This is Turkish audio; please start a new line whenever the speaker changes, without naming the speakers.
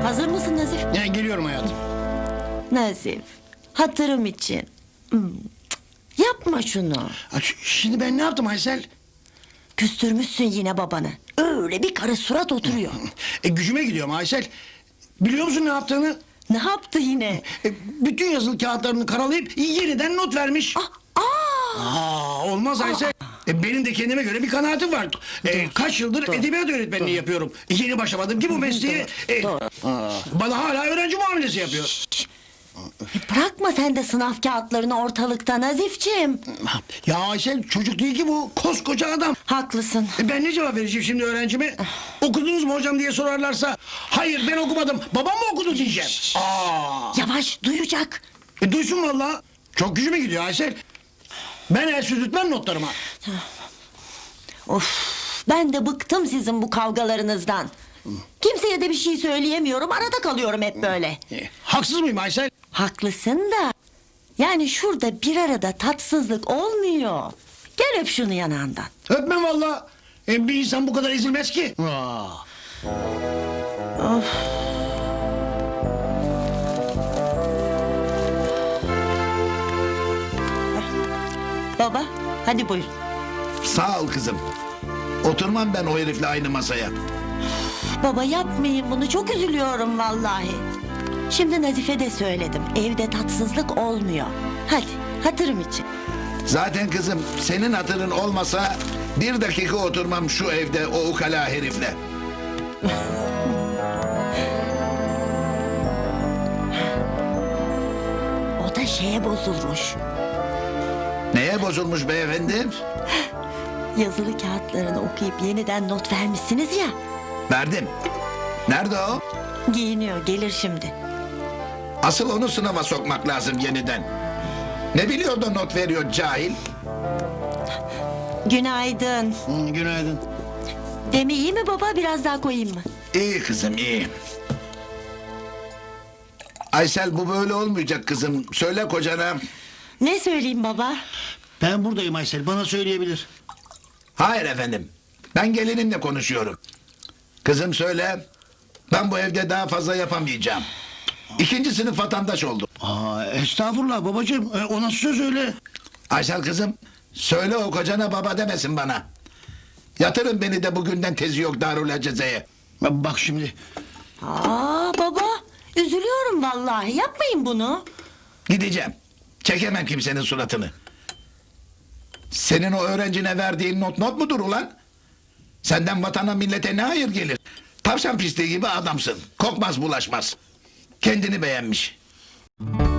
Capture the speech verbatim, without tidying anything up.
Hazır mısın Nazif?
Ya, geliyorum hayatım.
Nazif, hatırım için. Hmm, cık, yapma şunu.
Ha, ş- Şimdi ben ne yaptım Aysel?
Küstürmüşsün yine babanı. Öyle bir karı surat oturuyor.
E, gücüme gidiyorum Aysel. Biliyor musun ne yaptığını?
Ne yaptı yine?
E, bütün yazılı kağıtlarını karalayıp yeniden not vermiş.
Aa,
Aa, olmaz Aysel. E, benim de kendime göre bir kanaatim var. E, kaç yıldır
dur,
edebiyat öğretmenliği yapıyorum. E, yeni başlamadım ki bu mesleğe. E,
dur.
bana hala öğrenci muamelesi yapıyor.
e, bırakma sen de sınav kağıtlarını ortalıkta Nazifciğim.
Ya Aysel, çocuk değil ki bu. Koskoca adam.
Haklısın.
E, ben ne cevap vereceğim şimdi öğrencime? Okudunuz mu hocam diye sorarlarsa, hayır ben okumadım, babam mı okudu diyeceğim. Aa.
Yavaş, duyacak.
E, duysun vallahi. Çok gücüme gidiyor Aysel. Ben el süzültmem notlarıma.
Of, ben de bıktım sizin bu kavgalarınızdan. Kimseye de bir şey söyleyemiyorum, arada kalıyorum hep böyle.
E, haksız mıyım Aysel?
Haklısın da... yani şurada bir arada tatsızlık olmuyor. Gel öp şunu yanağından.
Öpmem vallahi. E, bir insan bu kadar ezilmez ki. Aa.
Baba, hadi buyur.
Sağ ol kızım. Oturmam ben o herifle aynı masaya.
Baba yapmayın bunu, çok üzülüyorum vallahi. Şimdi Nazife de söyledim, evde tatsızlık olmuyor. Hadi, hatırım için.
Zaten kızım senin hatırın olmasa bir dakika oturmam şu evde o ukala herifle.
O da şeye bozulmuş.
Neye bozulmuş beyefendi?
Yazılı kağıtlarını okuyup yeniden not vermişsiniz ya.
Verdim. Nerede o?
Giyiniyor, gelir şimdi.
Asıl onu sınava sokmak lazım yeniden. Ne biliyor da not veriyor cahil?
Günaydın.
Hı, günaydın.
Demi iyi mi baba, biraz daha koyayım mı?
İyi kızım iyi. Aysel bu böyle olmayacak kızım. Söyle kocana.
Ne söyleyeyim baba?
Ben buradayım Aysel, bana söyleyebilir.
Hayır efendim. Ben gelinimle konuşuyorum. Kızım söyle. Ben bu evde daha fazla yapamayacağım. İkinci sınıf vatandaş oldum.
Aa, estağfurullah babacığım, e, o nasıl söz öyle?
Aysel kızım söyle o kocana baba demesin bana. Yatırın beni de bugünden tezi yok Darül Aceze'ye.
Bak şimdi.
Aa baba, üzülüyorum vallahi, yapmayın bunu.
Gideceğim. Çekemem kimsenin suratını. Senin o öğrencine verdiğin not not mudur ulan? Senden vatana millete ne hayır gelir? Tavşan pisliği gibi adamsın. Kokmaz bulaşmaz. Kendini beğenmiş.